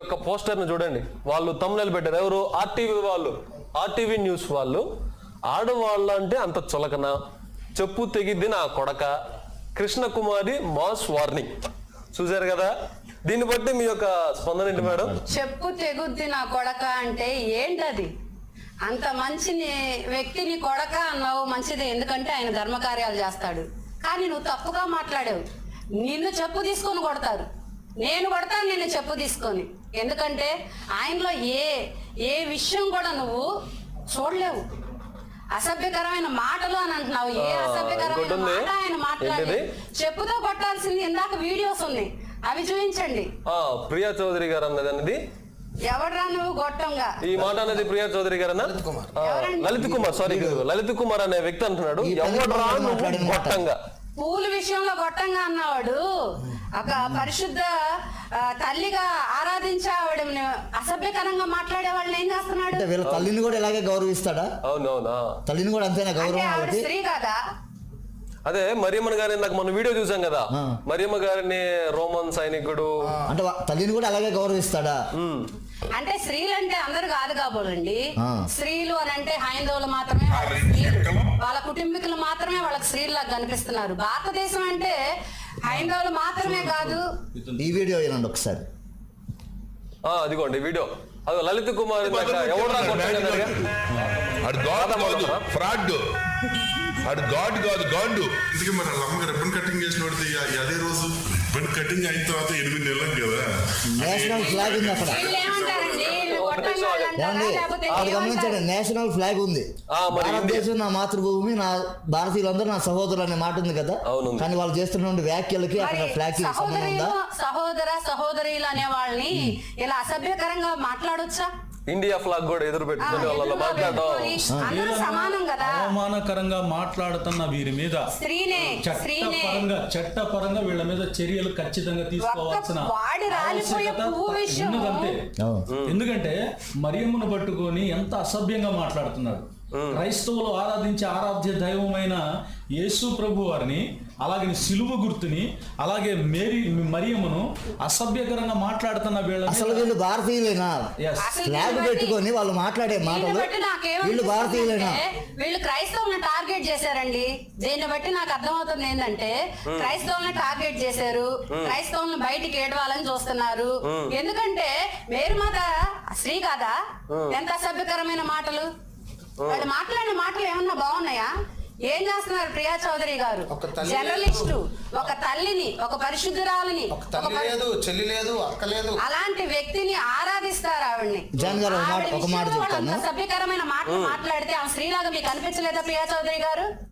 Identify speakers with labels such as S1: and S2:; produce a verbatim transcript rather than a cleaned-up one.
S1: యొక్క పోస్టర్ని చూడండి, వాళ్ళు తమ్ముళ్ళు పెట్టారు. ఎవరు? ఆర్టీవీ వాళ్ళు, ఆర్టీవీ న్యూస్ వాళ్ళు. ఆడవాళ్ళు అంటే అంత చులకన, చెప్పు తెగిద్ది నా కొడక, కృష్ణకుమారి మాస్ వార్నింగ్. చూసారు కదా, దీన్ని బట్టి మీ యొక్క స్పందన ఏంటి మేడం?
S2: చెప్పు తెగుద్ది నా కొడక అంటే ఏంటది? అంత మంచి వ్యక్తిని కొడక అన్నావు, మంచిదే, ఎందుకంటే ఆయన ధర్మకార్యాలు చేస్తాడు. కానీ నువ్వు తప్పుగా మాట్లాడావు. నిన్ను చెప్పు తీసుకొని కొడతారు, నేను కొడతాను నిన్ను చెప్పు తీసుకొని. ఎందుకంటే ఆయనలో ఏ ఏ విషయం కూడా నువ్వు చూడలేవు. అసభ్యకరమైన మాటలు అని అంటున్నావు. ఏ అసభ్యకరమైన మాట ఆయన మాట్లాడి చెప్పుతో కొట్టాల్సింది. ఇందాక వీడియోస్ ఉన్నాయి, అవి చూపించండి.
S1: ప్రియా చౌదరి గారు అన్నది అనేది
S2: ఎవడ్రా నువ్వు గొట్టంగా
S1: ఈ మాట అనేది ప్రియా చౌదరి గారు అన్న లలిత్ కుమార్ సారీ లలిత్ కుమార్ అనే వ్యక్తి అంటున్నాడు, ఎవడ్రా నువ్వు గొట్టంగా.
S2: పూల విషయంలో గొట్టంగా అన్నవాడు ఒక పరిశుద్ధ తల్లిగా ఆరాధించే ఆవిడ అసభ్యకరంగా మాట్లాడే వాళ్ళని ఏం చేస్తున్నాడు?
S3: వీళ్ళ తల్లిని కూడా ఇలాగే గౌరవిస్తాడా?
S1: అవునవునా,
S3: తల్లిని కూడా అంతేనా గౌరవం?
S2: స్త్రీ కదా.
S1: అదే మరియమ్మ గారిని నాకు మన వీడియో చూసాం కదా, మరియమ్మ గారిని రోమన్ సైనికుడు
S3: అంటే తల్లిని కూడా అలాగే గౌరవిస్తాడా?
S2: అంటే స్త్రీలు అంటే అందరు కాదు కాబోలండి. స్త్రీలు అని అంటే హైందవులు మాత్రమే, వాళ్ళ కుటుంబీకులు మాత్రమే వాళ్ళకి స్త్రీలాగా కనిపిస్తున్నారు. భారతదేశం అంటే హైందవులు మాత్రమే కాదు.
S3: ఈ వీడియో వినండి ఒకసారి.
S1: అదిగోండి వీడియో. అది లలిత్ కుమార్
S4: ఫ్రాడ్, అడు గాడ్ కాదు గాండు.
S5: ఇందుకే మరి వాళ్ళ అమ్మగారు రిబ్బన్ కటింగ్ చేసిన అదే రోజు రిబ్బన్ కటింగ్ అయిన తర్వాత ఎనిమిది నెలలకు కదా
S3: నేషనల్ ఫ్లాగ్ ఉంది అక్కడ. గమనించండి, నేషనల్ ఫ్లాగ్ ఉంది. భారతదేశం నా మాతృభూమి, నా భారతీయులందరూ నా సహోదరులు అనే మాట ఉంది కదా. కానీ వాళ్ళు చేస్తున్న వ్యాఖ్యలకి అక్కడ ఫ్లాగ్ కి సంబంధం ఉందా?
S2: సహోదర సహోదరులు అనే వాళ్ళని ఇలా అసభ్యకరంగా మాట్లాడొచ్చా?
S1: ఇండియా ఫ్లాగ్ కూడా ఎదురు పెట్టుకుని వాళ్ళ మాట్లాడటం
S2: సమానం కదా.
S6: అవమానకరంగా మాట్లాడుతున్న వీరి మీద చట్టపరంగా చట్టపరంగా వీళ్ళ మీద చర్యలు ఖచ్చితంగా తీసుకోవాల్సిన ఆవశ్యకత ఉన్నదంతే. ఎందుకంటే మరియమ్మను పట్టుకొని ఎంత అసభ్యంగా మాట్లాడుతున్నాడు. క్రైస్తవులు ఆరాధించే ఆరాధ్య దైవమైన యేసు ప్రభు వారిని, అలాగే సిలువ గుర్తుని, అలాగే మేరీ మరియమ్మను అసభ్యకరంగా మాట్లాడుతున్న వీళ్ళ
S3: అసలు వీళ్ళు భారతీయులేనా? ఫ్లాగ్ పెట్టుకొని వాళ్ళు మాట్లాడే మాటలు వీళ్ళు భారతీయులేనా?
S2: వీళ్ళు క్రైస్తవులను టార్గెట్ చేశారండి. దీన్ని బట్టి నాకు అర్థమవుతుంది ఏంటంటే క్రైస్తవులను టార్గెట్ చేశారు, క్రైస్తవులను బయటికి ఏడవాలని చూస్తున్నారు. ఎందుకంటే మేరీ మాత స్త్రీ కాదా? ఎంత అసభ్యకరమైన మాటలు వాళ్ళు మాట్లాడిన మాటలు ఏమన్నా బాగున్నాయా? ఏం చేస్తున్నారు ప్రియా చౌదరి గారు? జర్నలిస్టు, ఒక తల్లిని, ఒక పరిశుద్ధురాలిని,
S7: చెల్లి లేదు, అక్క లేదు,
S2: అలాంటి వ్యక్తిని ఆరాధిస్తారు. ఆవిడ్ని
S3: ఒక మాట
S2: సభ్యకరమైన మాటలు మాట్లాడితే ఆమె స్త్రీలాగా మీకు అనిపించలేదా ప్రియా చౌదరి గారు?